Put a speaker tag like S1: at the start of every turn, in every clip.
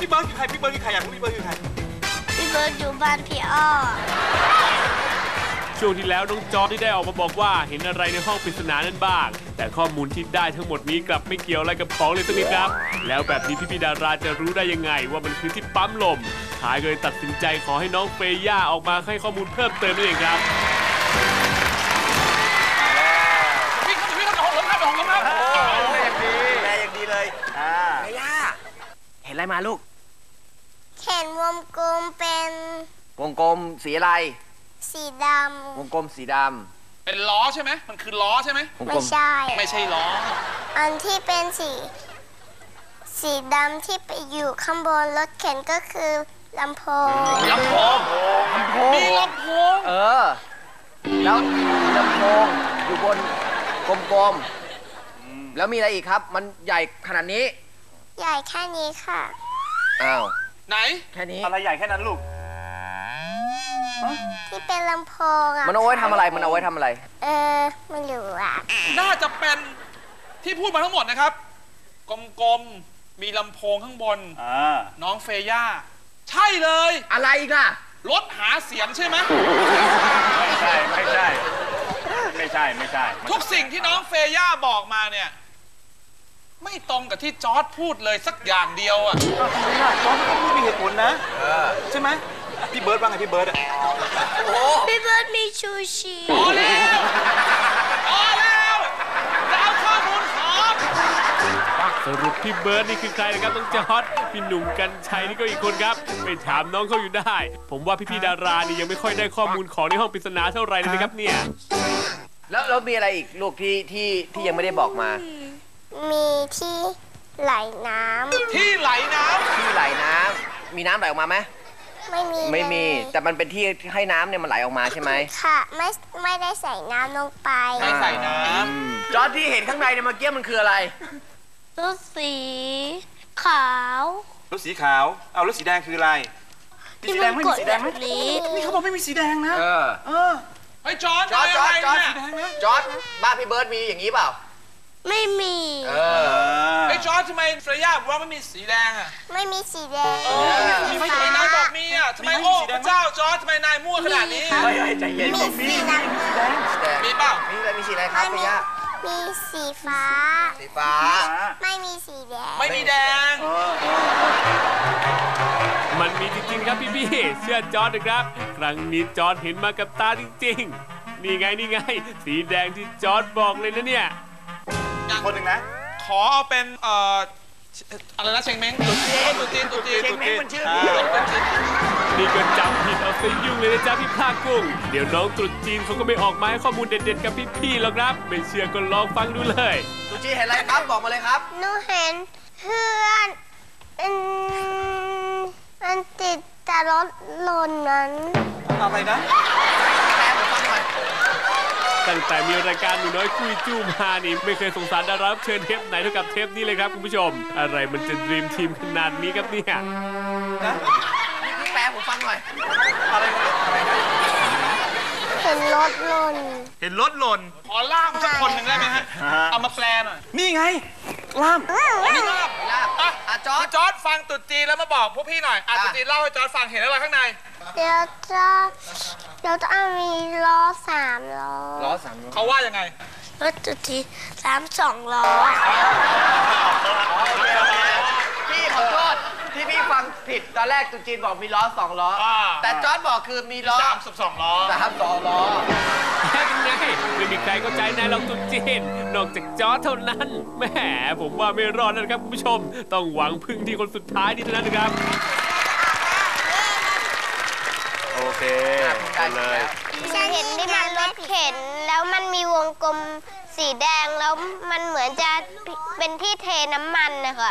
S1: พี่เบิร์ดคือใครพี่เบิร์ดคือใครอยากรู้พี่เบิร์ดคือใคร
S2: พี่เบิร์ดอยู่บ้านพี่อ้อ
S3: ช่วงที่แล้วน้องจอร์จที่ได้ออกมาบอกว่าเห็นอะไรในห้องปริศนานั้นบ้างแต่ข้อมูลที่ได้ทั้งหมดนี้กลับไม่เกี่ยวอะไรกับของเลยสักนิดครับแล้วแบบนี้พี่ดาราจะรู้ได้ยังไงว่ามันคือที่ปั๊มลมท้ายก็เลยตัดสินใจขอให้น้องเฟย่าออกมาให้ข้อมูลเพิ่มเติมนั่นเองครับ
S1: พี่ครับของผมครับของผมครับแม่อย่างดีเลย
S4: เฟย่าเห็นอะไรมาลูก
S2: เห็นวงกลมเป็น
S4: วงกลมสีอะไร
S2: สีดำ
S4: วงกลมสีด
S1: ำเป็นล้อใช่ไหมมันคือล้อใช่ไหม
S2: ไม่ใช่
S1: ล้อ
S2: อันที่เป็นสีดำที่ไปอยู่ข้างบนรถเข็นก็คือลำโพง
S1: มีลำโพง
S4: แล้วลำโพงอยู่บนกลมๆแล้วมีอะไรอีกครับมันใหญ่ขนาดนี้
S2: ใหญ่แค่นี้ค่ะ
S4: อ้าว
S1: ไหน
S4: แค่นี้
S1: อะไรใหญ่แค่นั้นลูก
S2: ที่เป็นลำโพงอ่ะ
S4: มันเอาไว้ทำอะไรไม่รู้
S2: อ่ะ
S1: น่าจะเป็นที่พูดมาทั้งหมดนะครับกลมๆมีลำโพงข้างบนน้องเฟย่าใช่เลย
S4: อะไรอีกล่ะ
S1: รถหาเสียงใช่ไหม
S5: ไม่ใช่
S1: ทุกสิ่งที่น้องเฟย่าบอกมาเนี่ยไม่ตรงกับที่จอร์จพูดเลยสักอย่างเดียวอ่ะ
S5: ทำไมล่ะจอร์จเขาพูดมีเหตุผลนะใช่ไหมพี่เบิร์ดว่าไงพี่เบิร์ด
S2: พี่เบิร์ดมีชูชี
S1: พอแล้วจะเอาข้อมูลของ
S3: สรุปพี่เบิร์ดนี่คือใครนะครับต้องจอร์จพี่หนุ่มกัญชัยนี่ก็อีกคนครับไปถามน้องเขาอยู่ได้ผมว่าพี่ดารานี่ยังไม่ค่อยได้ข้อมูลของในห้องปริศนาเท่าไหร่เลยนะครับเนี่ย
S4: แล้วมีอะไรอีกลูกที่ยังไม่ได้บอกมา
S2: มีที่ไหลน้ำ
S1: ที่ไหลน้
S4: ำมีน้ำไหลออกมาไหมไม่มีแต่มันเป็นที่ให้น้ำเนี่ยมันไหลออกมาใช่ไหม
S2: ค่ะไม่ได้ใส่น้ำลงไป
S1: ไม่ใส่น้ำ
S4: จอร์จที่เห็นข้างในเนี่ยเมื่อกี้มันคืออะไร
S2: รถสีขาว
S5: รถสีขาวเอารถสีแดงคืออะไรมีสีแดงไม่มีสีแดงไหมนี่เขาบอกไม่มีสีแดงนะ
S1: ไอ้จอร์จ
S4: บ้านพี่เบิร์ดมีอย่างนี้เปล่า
S2: ไม่มี
S1: ไอ้จอร์จทำไมเฟย่าบอกว่าไม่มีสีแดงอ่ะ
S2: ไม่มีสีแดง
S1: ไม่ใช่นายบอกมีอ่ะทำไมโอ้พระเจ้าจอร์จทำไมนายมั่วขนาดนี้
S5: ใจเย็นมีสีแดง
S1: มีเปล่า
S4: มีสีอะไรครับเฟย่า
S2: มีสีฟ้าไม่มีสีแดง
S1: ไม่มีแดง
S3: มันมีจริงๆครับพี่เชื่อจอร์จนะครับครั้งนี้จอร์จเห็นมากับตาจริงๆนี่ไงสีแดงที่จอร์จบอกเลยนะเนี่ย
S5: คนหนึ่งนะ
S1: ขอเอาเป็นอะไรนะเชงเม้งตุ๊จีน
S4: เชงเม้งมันชื่อ
S3: นี่ก็จำผิดเอาซะยุ่งเลยนะจ๊ะพี่ภาคกุ้งเดี๋ยวน้องตุ๊จีนเขาก็ไม่ออกมาให้ข้อมูลเด็ดๆกับพี่ๆหรอกครับไม่เชื่อก็ลองฟังดูเลย
S4: ตุ๊จีนเห็นอะไรครับบอกมาเลยครับ
S2: หนูเห็นเพื่อนมันติดแต่รถลนนั้น
S5: อะไรนะ
S4: แป๊บฟังหน่อย
S3: ตั้งแต่มีรายการหนูน้อยคุยจู้มานี่ไม่เคยสงสารดารารับเชิญเทปไหนเท่ากับเทปนี้เลยครับคุณผู้ชมอะไรมันจะดรีมทีมขนาดนี้ครับเนี่ย
S4: พี่แป๊บผมฟังหน่อย
S5: อะไรนะ
S2: เห็นรถ
S1: หล่นขอล่ามสักคนหนึ่งได้ไหมฮะเอามาแปลหน่อย
S5: นี่ไงล่าม
S1: จอร์จฟังตุ๊จีนแล้วมาบอกพวกพี่หน่อยตุ๊จีนเล่าให้จอร์จฟังเห็นอะไรข้างใน
S2: เดี๋ยวจะมีล้อ3 ล้อ
S1: เขาว่ายังไง
S2: รถตุ๊จี2 ล้อ
S4: พี่ขอโทษที่พี่ฟังผิดตอนแรกตุ๊จีนบอกมีล้อ2 ล้อแต่จอร์จบอกคือมีล้อ
S1: 32 ล้อ
S4: 32 ล้อ
S3: ยังไงไม่มีใครเข้าใจนายลองตุ๊จีนนอกจากจอร์จเท่านั้นแหมผมว่าไม่รอดนะครับคุณผู้ชมต้องหวังพึ่งที่คนสุดท้ายนี่เท่านั้นนะครับ
S5: โอเคเลย
S2: ฉันเห็นที่มันรถเข็นแล้วมันมีวงกลมสีแดงแล้วมันเหมือนจะเป็นที่เทน้ำมันนะคะ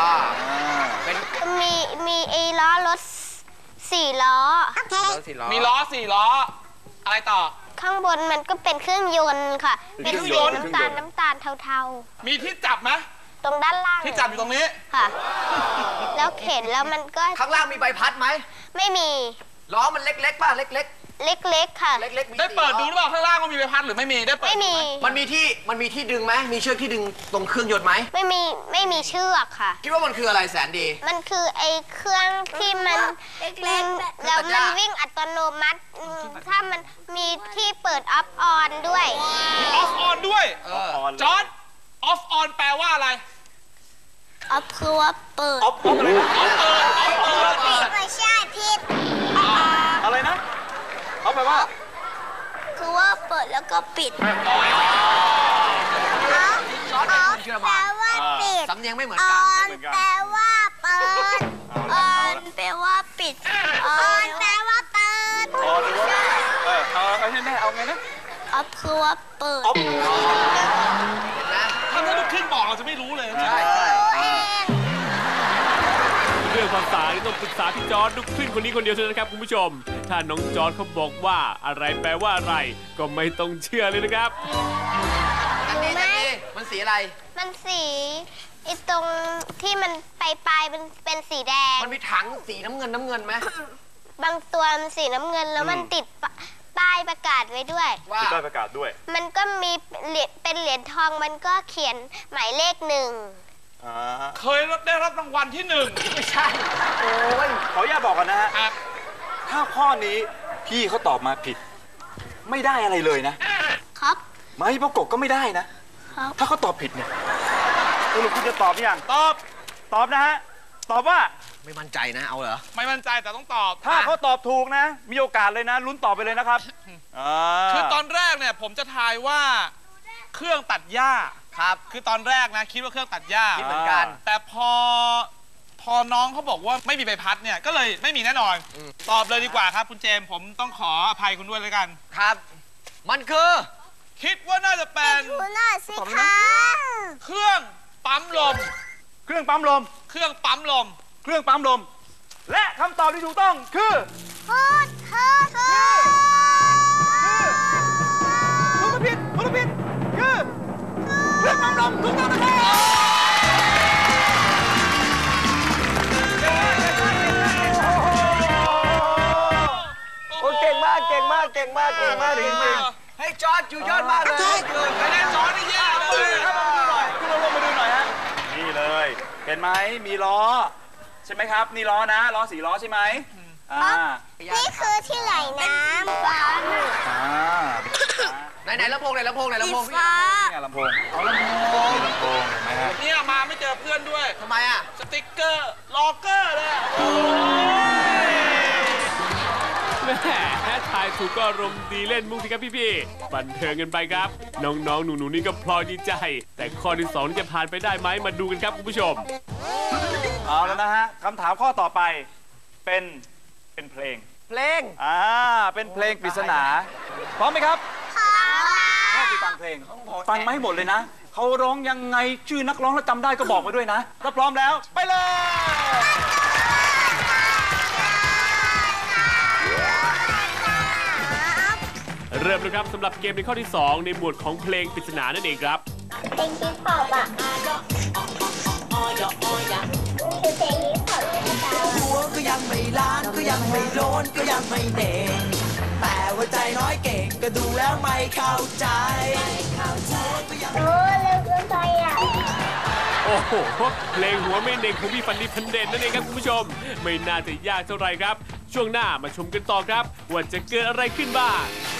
S2: มีไอ้ล้อรถ4 ล้อ
S1: มีล้อ4 ล้ออะไรต่อ
S2: ข้างบนมันก็เป็นเครื่องยนต์ค่ะเป็นสีน้ำตาลเทา
S1: ๆมีที่จับไหม
S2: ตรงด้านล่าง
S1: ที่จับอยู่ตรงนี้
S2: ค่ะแล้วเข็นแล้วมันก็
S4: ข้างล่างมีใบพัดไหม
S2: ไม่มี
S4: ล้อมันเล็กๆป่ะเล็ก
S2: เล็กๆค่ะ
S4: เล็กๆมี
S1: ได้เปิดดูหรือเปล่าข้างล่างว่ามีใบพัดหรือไม่มีได้เปิด
S2: ไม่มี
S4: มันมีที่ดึงไหมมีเชือกที่ดึงตรงเครื่องยนต์ไหม
S2: ไม่มีเชือกค่ะ
S4: คิดว่ามันคืออะไรแสนดี
S2: มันคือไอ้เครื่องที่มันแล้วมันวิ่งอัตโนมัติถ้ามันมีที่เปิดออฟออนด้วย
S1: มีออฟออนด้วย
S5: ออน
S1: จอร์ดออฟออนแปลว่าอะไร
S2: ออฟคือว่าเปิด
S5: ออฟอะไรนะ
S1: ออฟเปิดออฟเปิด
S2: ไม่ใช่ผิด
S5: อะไรนะเขาแปลว่า
S2: คือว่าเปิดแล้วก็ปิด
S4: จอร์จเป็นคนเชื่อ
S2: แปล
S4: มา
S2: ว่าปิด
S4: สำเนียงไม่เหมือน
S2: อ
S4: กัน
S2: อนแปลว่าเปิดออนแปลว่าปิดออนแปลว่าเปิด
S5: ออนหรือว่าเอาแน่ๆเอาไงนะ
S2: ออฟคือว่าเปิด
S5: ออฟ
S4: เห็นไหม
S1: ถ้าลูกครึ่งบอกเราจะไม่รู้เลย
S4: ใช่
S3: เรื่องภาษานี่ต้องปรึกษาพี่จอร์ดลูกครึ่งคนนี้คนเดียวเท่านั้นครับคุณผู้ชม ถ้าน้องจอร์ดเขาบอกว่าอะไรแปลว่าอะไร ก็ไม่ต้องเชื่อเลยนะครับ
S4: อันนี้มันสีอะไร
S2: มันสีไอ้ตรงที่มันปลายมันเป็นสีแดง
S4: มันมีถังสีน้ำเงินไหม
S2: บางตัวมันสีน้ำเงินแล้วมันติดป้ายประกาศไว้ด้วย
S4: ว่า
S5: ติดป้ายประกาศด้วย
S2: มันก็มีเป็นเหรียญทองมันก็เขียนหมายเลข1
S1: เคยได้รับรางวัลที่
S4: ไม่ใช่ โอ้ย
S5: ขออนุญาตบอกกันนะฮะ
S1: 1ครับ
S5: ถ้าข้อนี้พี่เขาตอบมาผิด ไม่ได้อะไรเลยนะ
S2: ครับ
S5: ไม่ประกบก็ไม่ได้นะ
S2: ครับ
S5: ถ้าเขาตอบผิดเนี่ยสรุปคุณจะตอบหรือยังตอบนะฮะ ตอบว่า
S4: ไม่มั่นใจนะเอาเหรอ
S1: ไม่มั่นใจแต่ต้องตอบ
S5: ถ้าเขาตอบถูกนะ มีโอกาสเลยนะ ลุ้นตอบไปเลยนะครับ
S1: คือตอนแรกเนี่ยผมจะทายว่าเครื่องตัดหญ้า
S4: ครับ
S1: คือตอนแรกนะคิดว่าเครื่องตัดหญ้า
S4: คิดเหมือนกัน
S1: แต่พอน้องเขาบอกว่าไม่มีใบพัดเนี่ยก็เลยไม่มีแน่นอน ตอบเลยดีกว่าครับคุณเจมส์ผมต้องขออภัยคุณด้วยเลยกัน
S4: ครับ มันคือ
S1: คิดว่าน่าจะเป็น
S2: ดูหน่อยสิคะ
S1: เครื่องปั๊มลม
S5: เครื่องปั๊มลม
S1: เครื่องปั๊มลม
S5: เครื่องปั๊มลม และคำตอบที่ถูกต้องคือ
S2: พูดเธอ
S5: ถูกผิดคือเครื่องปั๊มลมถูกต้องนะครับ
S4: โอ้เก่งมากจริงๆให้จอร์จอยู่ยอดมากเลย
S1: คะแนนจอนี่แย่เลย
S5: คุณลงมาดูหน่อยฮะ นี่เลย เห็นไหมมีล้อ ใช่ไหมครับ นี่ล้อนะ ล้อ4 ล้อใช่ไหม
S2: นี่คือที่ไหลน้ำฟ้า
S4: ไหนลำโพง
S2: ฟ้า
S5: นี่ไงลำโพง
S4: เอาลำโพง
S5: ลำโพงเห็นไหมฮะ
S1: เนี่ยมาไม่เจอเพื่อนด้วย
S4: ทำไมอ่ะ
S1: สติ๊กเกอร์ล็อกเกอร์เลยอะโอ้ย
S3: แม่ทายถูกก็อารมณ์ดีเล่นมุกสิครับพี่ๆบันเทิงกันไปครับ น้องๆหนูๆนี่ก็พลอยดีใจ แต่ข้อที่2นี่จะผ่านไปได้ไหมมาดูกันครับคุณผู้ชม
S5: เอาแล้วนะฮะคำถามข้อต่อไปเป็นเพลง เป็นเพลงปริศนา พร้อมไหมครับถ้าไปฟังเพลง ฟังมาให้หมดเลยนะ เขาร้องยังไงชื่อนักร้องแล้วจำได้ก็บอกมาด้วยนะ ถ้าพร้อมแล้วไปเลย
S3: เริ่มเลยครับสำหรับเกมในข้อที่ 2 ในหมวดของเพลงปริศนานั่นเองครับ
S2: เพลงฮิปฮอปอ่ะคือเพลงฮิปฮอป
S6: หัวก็ยังไม่ล้านก็ยังไม่โลนก็ยังไม่เด่งแต่ว่าใจน้อยเก่งก็ดูแล้วไม่เข้าใจ
S2: โอ้เร็วเกินไปอ่ะ
S3: โอ้โหเพลงหัวไม่เน่งของพี่ฟันดีพันเด่นนั่นเองครับคุณผู้ชม ไม่น่าจะยากเท่าไหร่ครับ ช่วงหน้ามาชมกันต่อครับว่าจะเกิดอะไรขึ้นบ้าง